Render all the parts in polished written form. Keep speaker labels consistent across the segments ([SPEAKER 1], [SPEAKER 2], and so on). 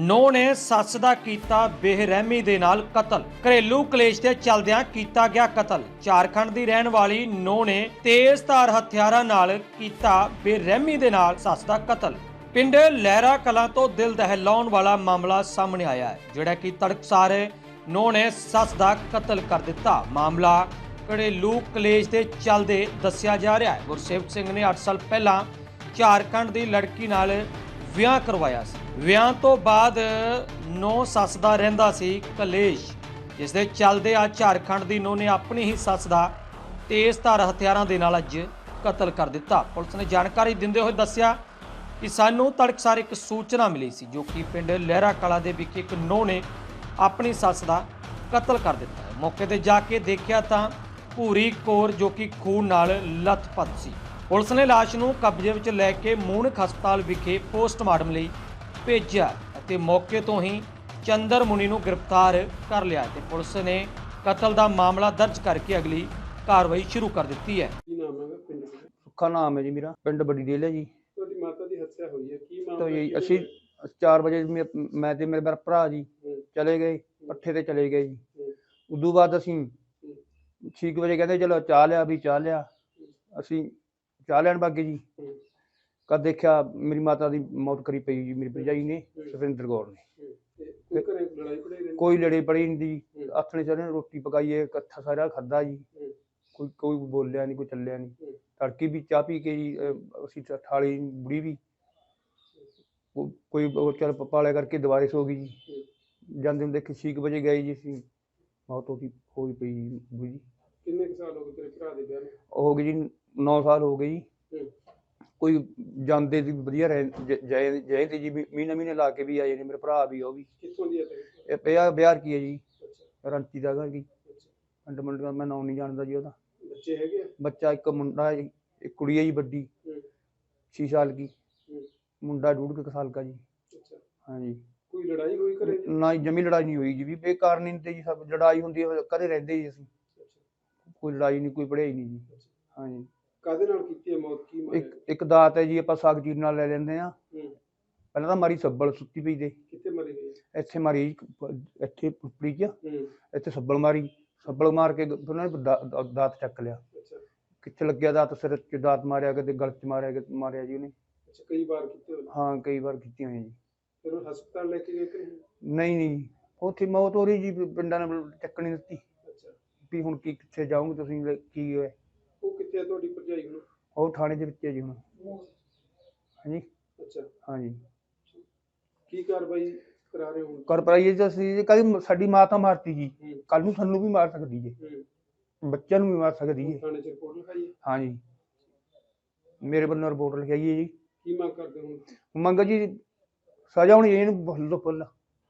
[SPEAKER 1] ਨੂੰਹ ਨੇ ਸੱਸ ਦਾ ਕੀਤਾ ਬੇਰਹਿਮੀ ਦੇ ਨਾਲ ਕਤਲ। ਘਰੇਲੂ ਕਲੇਸ਼ ਦੇ ਚੱਲਦਿਆਂ ਕੀਤਾ ਗਿਆ ਕਤਲ। ਝਾਰਖੰਡ ਦੀ ਰਹਿਣ ਵਾਲੀ ਨੂੰਹ ਨੇ ਤੇਜ਼ਧਾਰ ਹਥਿਆਰਾਂ ਨਾਲ ਕੀਤਾ ਬੇਰਹਿਮੀ ਦੇ ਨਾਲ ਸੱਸ ਦਾ ਕਤਲ। ਪਿੰਡ ਲਹਿਰਾ ਕਲਾਂ ਤੋਂ ਦਿਲ ਦਹਿਲਾਉਣ ਵਾਲਾ ਮਾਮਲਾ ਸਾਹਮਣੇ ਆਇਆ ਹੈ, ਜਿਹੜਾ ਕਿ ਤੜਕਸਾਰ ਨੂੰਹ ਨੇ ਸੱਸ ਦਾ ਕਤਲ ਕਰ ਦਿੱਤਾ। ਮਾਮਲਾ ਘਰੇਲੂ ਕਲੇਸ਼ ਦੇ ਚੱਲਦੇ ਦੱਸਿਆ ਜਾ ਰਿਹਾ ਹੈ। ਗੁਰਸੇਵਕ ਸਿੰਘ ਨੇ 8 ਸਾਲ ਪਹਿਲਾਂ ਝਾਰਖੰਡ ਦੀ ਲੜਕੀ ਨਾਲ ਵਿਆਹ ਕਰਵਾਇਆ ਸੀ। ਵਿਆਹ ਤੋਂ ਬਾਅਦ ਨੂੰਹ ਸੱਸ ਦਾ ਰਹਿੰਦਾ ਸੀ ਕਲੇਸ਼, ਜਿਸ ਦੇ ਚੱਲਦੇ ਆ ਝਾਰਖੰਡ ਦੀ ਨੂੰਹ ਨੇ ਆਪਣੀ ਹੀ ਸੱਸ ਦਾ ਤੇਜ਼ਧਾਰ ਹਥਿਆਰਾਂ ਦੇ ਨਾਲ ਅੱਜ ਕਤਲ ਕਰ ਦਿੱਤਾ। ਪੁਲਿਸ ਨੇ ਜਾਣਕਾਰੀ ਦਿੰਦੇ ਹੋਏ ਦੱਸਿਆ ਕਿ ਸਾਨੂੰ ਤੜਕਸਾਰ ਇੱਕ ਸੂਚਨਾ ਮਿਲੀ ਸੀ, ਜੋ ਕਿ ਪਿੰਡ ਲਹਿਰਾ ਕਲਾਂ ਦੇ ਵਿਖੇ ਇੱਕ ਨੂੰਹ ਨੇ ਆਪਣੀ ਸੱਸ ਦਾ ਕਤਲ ਕਰ ਦਿੱਤਾ ਹੈ। ਮੌਕੇ ਤੇ ਜਾ ਕੇ ਦੇਖਿਆ ਤਾਂ ਭੂਰੀ ਕੌਰ ਜੋ ਕਿ ਖੂਨ ਨਾਲ ਲੱਥਪੱਥ ਸੀ। ਪੁਲਿਸ ਨੇ ਲਾਸ਼ ਨੂੰ ਕਬਜ਼ੇ ਵਿੱਚ ਲੈ ਕੇ ਮੂਣਕ ਹਸਪਤਾਲ ਵਿਖੇ ਪੋਸਟਮਾਰਟਮ ਲਈ ਭੇਜਿਆ ਅਤੇ ਮੌਕੇ ਤੋਂ ਹੀ ਚੰਦਰ ਮੁਨੀ ਨੂੰ ਗ੍ਰਿਫਤਾਰ ਕਰ ਲਿਆ ਤੇ ਪੁਲਿਸ ਨੇ ਕਤਲ ਦਾ ਮਾਮਲਾ ਦਰਜ ਕਰਕੇ ਅਗਲੀ ਕਾਰਵਾਈ ਸ਼ੁਰੂ ਕਰ ਦਿੱਤੀ ਹੈ।
[SPEAKER 2] ਕੀ ਨਾਮ ਹੈ ਪਿੰਡ ਦਾ?
[SPEAKER 3] ਸੁੱਖਾ ਨਾਮ ਹੈ ਜੀ ਮੇਰਾ, ਪਿੰਡ ਵੱਡੀ ਡੇਲ ਹੈ ਜੀ।
[SPEAKER 2] ਤੁਹਾਡੀ ਮਾਤਾ ਦੀ ਹੱਤਿਆ ਹੋਈ ਹੈ, ਕੀ ਮਾਮਲਾ?
[SPEAKER 3] ਤਾਂ ਜੀ ਅਸੀਂ 4 ਵਜੇ ਮੈਂ ਤੇ ਮੇਰੇ ਭਰਾ ਜੀ ਚਲੇ ਗਏ, ਪੱਠੇ ਤੇ ਚਲੇ ਗਏ ਜੀ। ਉਦੋਂ ਬਾਅਦ ਅਸੀਂ 6 ਵਜੇ ਕਹਿੰਦੇ ਚਲੋ ਚਾਹ ਲਿਆ, ਵੀ ਚਾਹ ਲਿਆ। ਅਸੀਂ ਚਾਹ ਲੈਣ ਬਾਗੇ ਜੀ। ਕਦ ਦੇਖਿਆ ਮੇਰੀ ਮਾਤਾ ਦੀ ਮੌਤ ਕਰੀ ਪਈ ਜੀ, ਮੇਰੀ ਭਰਜਾਈ ਨੇ, ਸੁਖਵਿੰਦਰ ਕੌਰ ਨੇ। ਕੋਈ ਲੜੇ ਪੜੀ ਨਹੀਂ ਜੀ। ਆਥਣੇ ਸਾਰੇ ਰੋਟੀ ਪਕਾਈਏ, ਇਕੱਠਾ ਸਾਰਾ ਖਾਦਾ ਜੀ। ਕੋਈ ਬੋਲਿਆ ਨਹੀਂ, ਕੋਈ ਚੱਲਿਆ ਨਹੀਂ। ਤੜਕੀ ਵੀ ਚਾਹ ਪੀ ਕੇ ਜੀ ਅਸੀਂ ਠਾਲੀ ਬੁੜੀ ਵੀ ਕੋਈ ਚੱਲ ਪਾਲਿਆ ਕਰਕੇ ਦੁਬਾਰੇ ਸੋ ਗਈ ਜੀ। ਜਾਂਦੇ ਹੁੰਦੇ 6 ਵਜੇ ਗਏ ਜੀ, ਅਸੀਂ ਮੌਤ ਹੋਈ ਪਈ ਜੀ ਬੁੜੀ।
[SPEAKER 2] ਕਿੰਨੇ ਕੁ ਸਾਲ ਹੋ ਗਏ ਤੇਰੇ ਭਰਾ ਦੇ ਵਿਆਹ ਨੂੰ?
[SPEAKER 3] ਹੋ ਗਈ ਜੀ 9 ਸਾਲ ਹੋ ਗਏ ਜੀ। ਕੋਈ ਜਾਂਦੇ ਦੀ ਵਧੀਆ ਜਏ ਤੇ ਜੀ, ਮਹੀਨੇ ਲਾ ਕੇ ਵੀ ਆਏ ਨੇ। ਮੇਰੇ ਭਰਾ ਵੀ, ਉਹ ਵੀ।
[SPEAKER 2] ਕਿੱਥੋਂ ਦੀ ਹੈ ਤੇਰੇ?
[SPEAKER 3] ਇਹ ਬਿਹਾਰ ਕੀ ਹੈ ਜੀ, ਰੰਚੀ ਦਾ ਘਰ ਜੀ। ਪਿੰਡ ਮੁੰਡੇ ਦਾ ਮੈਂ ਨਾਂ ਨਹੀਂ ਜਾਣਦਾ ਜੀ ਉਹਦਾ।
[SPEAKER 2] ਬੱਚੇ ਹੈਗੇ?
[SPEAKER 3] ਬੱਚਾ ਇੱਕ ਮੁੰਡਾ, ਇੱਕ ਕੁੜੀ ਹੈ ਜੀ ਵੱਡੀ 6 ਸਾਲ ਕੀ, ਮੁੰਡਾ 1.5 ਸਾਲ का जी। हाँ जी।
[SPEAKER 2] ਕੋਈ ਲੜਾਈ ਹੋਈ ਘਰੇ?
[SPEAKER 3] ਨਾ ਜਮੀ ਲੜਾਈ ਨਹੀਂ ਹੋਈ ਜੀ, ਵੀ ਬੇਕਾਰ ਨਹੀਂ ਤੇ ਜੀ। ਸਭ ਲੜਾਈ ਹੁੰਦੀ ਹੈ ਘਰੇ ਰਹਿੰਦੇ ਜੀ ਅਸੀਂ। ਕੋਈ ਲੜਾਈ ਨਹੀਂ, ਕੋਈ ਪੜ੍ਹਾਈ ਨਹੀਂ ਜੀ। ਹਾਂ ਜੀ।
[SPEAKER 2] ਕਾਹਦੇ ਨਾਲ ਕੀਤੀ ਹੈ ਮੌਤ? ਕੀ ਮਾਰਿਆ?
[SPEAKER 3] ਇੱਕ ਦਾਤ ਹੈ ਜੀ, ਆਪਾਂ ਸਾਗ ਚੀਰ ਨਾਲ ਲੈ ਲੈਂਦੇ ਆ। ਪਹਿਲਾਂ ਤਾਂ ਮਾਰੀ ਸੱਬਲ ਸੁੱਤੀ ਪਈ ਦੇ।
[SPEAKER 2] ਕਿੱਥੇ ਮਰੀ ਹੋਈ?
[SPEAKER 3] ਇੱਥੇ ਮਾਰੀ, ਇੱਥੇ ਪੁੱਪੜੀ 'ਚ। ਇੱਥੇ ਸੱਬਲ ਮਾਰੀ, ਸੱਬਲ ਮਾਰ ਕੇ ਉਹਨਾਂ ਨੇ ਦਾਤ ਚੱਕ ਲਿਆ। ਕਿੱਥੇ ਲੱਗਿਆ ਦਾਤ? ਸਿਰ 'ਚ ਦਾਤ ਮਾਰਿਆ, ਕਿਤੇ ਗਲ 'ਚ ਮਾਰਿਆ ਜੀ ਉਹਨੇ।
[SPEAKER 2] ਕਈ ਵਾਰ ਕੀਤੇ ਹੋਏ?
[SPEAKER 3] ਹਾਂ, ਕਈ ਵਾਰ ਕੀਤੀਆਂ ਹੋਈਆਂ ਜੀ।
[SPEAKER 2] ਫਿਰ ਉਹ ਹਸਪਤਾਲ ਲੈ ਕੇ ਗਏ ਕਿ
[SPEAKER 3] ਨਹੀਂ, ਉੱਥੇ ਮੌਤ ਹੋ ਰਹੀ ਜੀ। ਪਿੰਡਾਂ ਨੇ ਚੱਕਣੀ ਦਿੱਤੀ ਵੀ ਹੁਣ ਕਿੱਥੇ ਜਾਓਗੇ ਤੁਸੀਂ, ਕੀ ਹੋਇਆ?
[SPEAKER 2] ਉਹ ਕਿੱਥੇ ਹੈ ਤੁਹਾਡੀ ਭਰਜਾਈ ਹੁਣ?
[SPEAKER 3] ਉਹ ਥਾਣੇ ਦੇ ਵਿੱਚ ਹੈ ਜੀ ਹੁਣ। ਹਾਂਜੀ।
[SPEAKER 2] ਅੱਛਾ।
[SPEAKER 3] ਹਾਂਜੀ।
[SPEAKER 2] ਕੀ ਕਾਰਵਾਈ ਕਰਾ ਰਹੇ ਹੋ?
[SPEAKER 3] ਕਰ ਪਾਈਏ ਜੀ ਅਸੀਂ। ਕੱਲ ਸਾਡੀ ਮਾਂ ਤਾਂ ਮਾਰਤੀ ਜੀ, ਕੱਲ ਨੂੰ ਸਾਨੂੰ ਵੀ ਮਾਰ ਸਕਦੀ ਜੀ, ਬੱਚਿਆਂ ਨੂੰ ਵੀ ਮਾਰ ਸਕਦੀ ਹੈ।
[SPEAKER 2] ਥਾਣੇ 'ਚ ਰਿਪੋਰਟ ਲਿਖਾਈ ਹੈ?
[SPEAKER 3] ਹਾਂਜੀ, ਮੇਰੇ ਵੱਲੋਂ ਰਿਪੋਰਟ ਲਿਖਾਈ ਹੈ ਜੀ।
[SPEAKER 2] ਕੀ ਮੰਗ ਕਰਦੇ ਹੋ?
[SPEAKER 3] ਮੰਗ ਜੀ ਸਜ਼ਾ ਹੋਣੀ ਇਹਨੂੰ ਫੁੱਲ ਫੁੱਲ।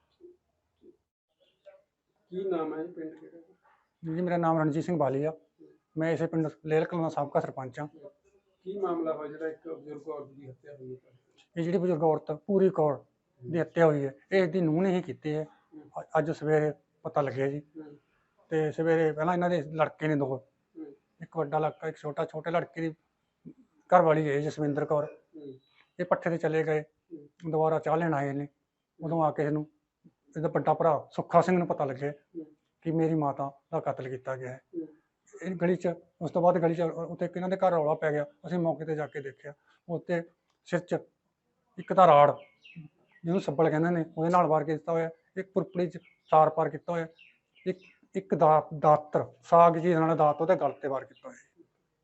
[SPEAKER 2] ਕੀ ਨਾਮ ਹੈ? ਪਿੰਡ ਕਿਹੜਾ
[SPEAKER 4] ਜੀ? ਮੇਰਾ ਨਾਮ ਰਣਜੀਤ ਸਿੰਘ ਬਾਲੀ ਆ। ਮੈਂ ਇਸੇ ਪਿੰਡ ਲੇਲ ਕਲਾਂ ਦਾ ਸਾਬਕਾ ਸਰਪੰਚ ਹਾਂ।
[SPEAKER 2] ਕੀ ਮਾਮਲਾ ਹੋਇਆ ਜਿਹੜਾ ਇੱਕ ਬਜ਼ੁਰਗ ਔਰਤ ਦੀ ਹੱਤਿਆ ਹੋਈ ਹੈ?
[SPEAKER 4] ਇਹ ਜਿਹੜੀ ਬਜ਼ੁਰਗ ਔਰਤ ਭੂਰੀ ਕੌਰ ਦੀ ਹੱਤਿਆ ਹੋਈ ਹੈ, ਇਹ ਦੀ ਨੂੰਹ ਨੇ ਹੀ ਕੀਤੀ ਹੈ। ਅੱਜ ਸਵੇਰੇ ਪਤਾ ਲੱਗਿਆ ਜੀ। ਤੇ ਸਵੇਰੇ ਪਹਿਲਾਂ ਇਹਨਾਂ ਦੇ ਲੜਕੇ ਨੇ 2, ਇੱਕ ਵੱਡਾ ਲੜਕਾ, ਇੱਕ ਛੋਟੇ ਲੜਕੇ ਦੀ ਘਰ ਵਾਲੀ ਹੈ ਜਸਵਿੰਦਰ ਕੌਰ। ਇਹ ਪੱਠੇ ਤੇ ਚਲੇ ਗਏ, ਦੁਬਾਰਾ ਚਾਹ ਲੈਣ ਆਏ ਨੇ। ਉਦੋਂ ਆ ਕੇ ਇਹਨੂੰ, ਇਹਦਾ ਵੱਡਾ ਭਰਾ ਸੁੱਖਾ ਸਿੰਘ ਨੂੰ ਪਤਾ ਲੱਗਿਆ ਕਿ ਮੇਰੀ ਮਾਤਾ ਦਾ ਕਤਲ ਕੀਤਾ ਗਿਆ ਹੈ। ਇਹ ਗਲੀ 'ਚ, ਉਸ ਤੋਂ ਬਾਅਦ ਗਲੀ 'ਚ ਉੱਥੇ ਇਹਨਾਂ ਦੇ ਘਰ ਰੌਲਾ ਪੈ ਗਿਆ। ਅਸੀਂ ਮੌਕੇ ਤੇ ਜਾ ਕੇ ਦੇਖਿਆ, ਉੱਤੇ ਸਿਰ 'ਚ ਇੱਕ ਤਾਂ ਰਾੜ, ਜਿਹਨੂੰ ਸੱਬਲ ਕਹਿੰਦੇ ਨੇ, ਉਹਦੇ ਨਾਲ ਵਾਰ ਕੀਤਾ ਹੋਇਆ। ਇੱਕ ਪੁਰਪੜੀ 'ਚ ਤਾਰ ਪਾਰ ਕੀਤਾ ਹੋਇਆ। ਇੱਕ ਦਾਤਰ ਸਾਗ ਜੀ ਨਾਲ ਦਾਤ ਉਹਦੇ ਗਲ ਤੇ ਵਾਰ ਕੀਤਾ ਹੋਇਆ।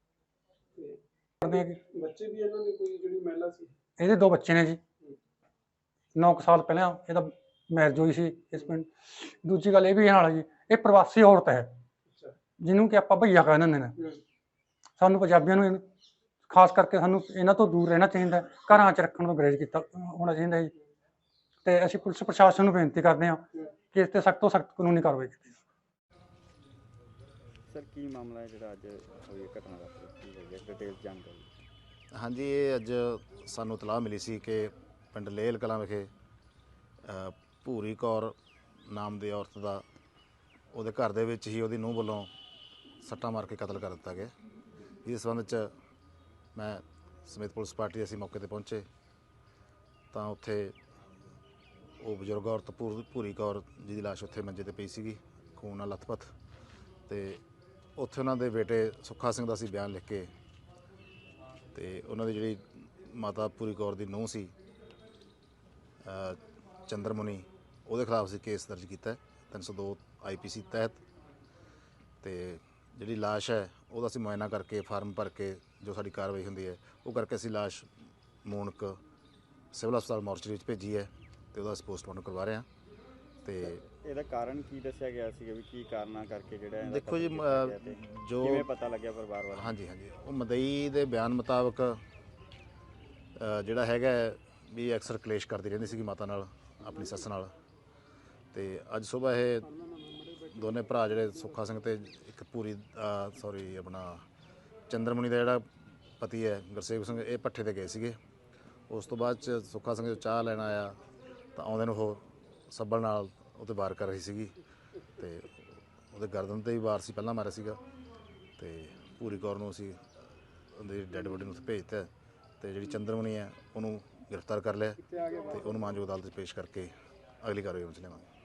[SPEAKER 2] ਬੱਚੇ ਵੀ ਇਹਨਾਂ ਦੇ ਕੋਈ ਜਿਹੜੀ ਮਹਿਲਾ ਸੀ?
[SPEAKER 4] ਇਹਦੇ 2 ਬੱਚੇ ਨੇ ਜੀ। 9 ਸਾਲ ਪਹਿਲਾਂ ਇਹਦਾ ਮੈਰਿਜ ਹੋਈ ਸੀ ਇਸ ਪਿੰਡ। ਦੂਜੀ ਗੱਲ ਇਹ ਵੀ ਨਾਲ ਜੀ, ਇਹ ਪ੍ਰਵਾਸੀ ਔਰਤ ਹੈ, ਜਿਹਨੂੰ ਕਿ ਆਪਾਂ ਭਈਆ ਕਹਿ ਦਿੰਦੇ ਨੇ। ਸਾਨੂੰ ਪੰਜਾਬੀਆਂ ਨੂੰ ਖਾਸ ਕਰਕੇ ਸਾਨੂੰ ਇਹਨਾਂ ਤੋਂ ਦੂਰ ਰਹਿਣਾ ਚਾਹੀਦਾ, ਘਰਾਂ 'ਚ ਰੱਖਣ ਤੋਂ ਗੁਰੇਜ਼ ਕੀਤਾ ਹੋਣਾ ਚਾਹੀਦਾ ਜੀ। ਤੇ ਅਸੀਂ ਪੁਲਿਸ ਪ੍ਰਸ਼ਾਸਨ ਨੂੰ ਬੇਨਤੀ ਕਰਦੇ ਹਾਂ ਕਿ ਇਸ 'ਤੇ ਸਖਤ ਤੋਂ ਸਖਤ ਕਾਨੂੰਨੀ ਕਾਰਵਾਈ ਕੀਤੀ।
[SPEAKER 5] ਸਰ, ਕੀ ਮਾਮਲਾ ਹੈ ਜਿਹੜਾ ਅੱਜ ਹੋਈ ਘਟਨਾ ਦਾ? ਡਿਟੇਲ ਜਾਣਕਾਰੀ।
[SPEAKER 6] ਹਾਂਜੀ, ਇਹ ਅੱਜ ਸਾਨੂੰ ਇਤਲਾਹ ਮਿਲੀ ਸੀ ਕਿ ਪਿੰਡ ਲੇਲ ਕਲਾਂ ਵਿਖੇ ਭੂਰੀ ਕੌਰ ਨਾਮ ਦੀ ਔਰਤ ਦਾ ਉਹਦੇ ਘਰ ਦੇ ਵਿੱਚ ਹੀ ਉਹਦੀ ਨੂੰਹ ਵੱਲੋਂ ਸੱਟਾਂ ਮਾਰ ਕੇ ਕਤਲ ਕਰ ਦਿੱਤਾ ਗਿਆ। ਇਸ ਸੰਬੰਧ 'ਚ ਮੈਂ ਸਮੇਤ ਪੁਲਿਸ ਪਾਰਟੀ ਅਸੀਂ ਮੌਕੇ ਤੇ ਪਹੁੰਚੇ ਤਾਂ ਉੱਥੇ ਉਹ ਬਜ਼ੁਰਗ ਔਰਤ ਭੂਰੀ ਕੌਰ ਜੀ ਦੀ ਲਾਸ਼ ਉੱਥੇ ਮੰਜੇ ਤੇ ਪਈ ਸੀਗੀ, ਖੂਨ ਨਾਲ ਲੱਥਪੱਥ। ਤੇ ਉੱਥੇ ਉਹਨਾਂ ਦੇ ਬੇਟੇ ਸੁੱਖਾ ਸਿੰਘ ਦਾ ਸੀ ਬਿਆਨ ਲਿਖ ਕੇ, ਤੇ ਉਹਨਾਂ ਦੀ ਜਿਹੜੀ ਮਾਤਾ ਭੂਰੀ ਕੌਰ ਦੀ ਨੂੰਹ ਸੀ ਚੰਦਰਮੁਨੀ, ਉਹਦੇ ਖਿਲਾਫ ਸੀ ਕੇਸ ਦਰਜ ਕੀਤਾ 302 IPC ਤਹਿਤ। ਤੇ ਜਿਹੜੀ ਲਾਸ਼ ਹੈ ਉਹਦਾ ਅਸੀਂ ਮੁਆਇਨਾ ਕਰਕੇ ਫਾਰਮ ਭਰ ਕੇ ਜੋ ਸਾਡੀ ਕਾਰਵਾਈ ਹੁੰਦੀ ਹੈ ਉਹ ਕਰਕੇ ਅਸੀਂ ਲਾਸ਼ ਮੂਣਕ ਸਿਵਲ ਹਸਪਤਾਲ ਮੋਰਚਰੀ ਵਿੱਚ ਭੇਜੀ ਹੈ ਤੇ ਉਹਦਾ ਅਸੀਂ ਪੋਸਟਮਾਰਟਮ ਕਰਵਾ ਰਹੇ ਹਾਂ। ਤੇ
[SPEAKER 5] ਇਹਦਾ ਕਾਰਨ ਕੀ ਦੱਸਿਆ ਗਿਆ ਸੀ ਵੀ ਕੀ ਕਾਰਨਾਂ ਕਰਕੇ ਜਿਹੜਾ ਇਹਦਾ
[SPEAKER 6] ਦੇਖੋ ਜੀ,
[SPEAKER 5] ਕਤਲ ਕੀਤਾ ਗਿਆ ਤੇ
[SPEAKER 6] ਜੋ
[SPEAKER 5] ਕਿਵੇਂ ਪਤਾ ਲੱਗਿਆ ਪਰਿਵਾਰ ਵਾਲਿਆਂ ਨੂੰ?
[SPEAKER 6] ਹਾਂਜੀ ਉਹ ਮਦਈ ਦੇ ਬਿਆਨ ਮੁਤਾਬਕ ਜਿਹੜਾ ਹੈਗਾ ਵੀ ਅਕਸਰ ਕਲੇਸ਼ ਕਰਦੀ ਰਹਿੰਦੀ ਸੀਗੀ ਮਾਤਾ ਨਾਲ, ਆਪਣੀ ਸੱਸ ਨਾਲ। ਤੇ ਅੱਜ ਸਵੇਰ ਇਹ ਦੋਨੇ ਭਰਾ ਜਿਹੜੇ ਸੁੱਖਾ ਸਿੰਘ ਤੇ ਇੱਕ ਆਪਣਾ ਚੰਦਰਮੁਨੀ ਦਾ ਜਿਹੜਾ ਪਤੀ ਹੈ ਗੁਰਸੇਵਕ ਸਿੰਘ, ਇਹ ਪੱਠੇ ਤੇ ਗਏ ਸੀਗੇ। ਉਸ ਤੋਂ ਬਾਅਦ 'ਚ ਸੁੱਖਾ ਸਿੰਘ ਜੋ ਚਾਹ ਲੈਣ ਆਇਆ ਤਾਂ ਆਉਂਦੇ ਨੂੰ ਉਹ ਸੱਬਲ ਨਾਲ ਉਹਤੇ ਵਾਰ ਕਰ ਰਹੀ ਸੀਗੀ, ਤੇ ਉਹਦੇ ਗਰਦਨ ਤੇ ਵੀ ਵਾਰ ਸੀ, ਪਹਿਲਾਂ ਮਾਰਿਆ ਸੀਗਾ। ਤੇ ਭੂਰੀ ਕੌਰ ਨੂੰ ਅਸੀਂ ਉਹਦੀ ਡੈੱਡ ਬੋਡੀ ਨੂੰ ਉੱਥੇ ਭੇਜਤਾ, ਤੇ ਜਿਹੜੀ ਚੰਦਰਮੁਨੀ ਹੈ ਉਹਨੂੰ ਗ੍ਰਿਫਤਾਰ ਕਰ ਲਿਆ ਤੇ ਉਹਨੂੰ ਮਾਨਯੋਗ ਅਦਾਲਤ 'ਚ ਪੇਸ਼ ਕਰਕੇ ਅਗਲੀ ਕਾਰਵਾਈ ਵਿੱਚ ਲਿਆਵਾਂਗੇ।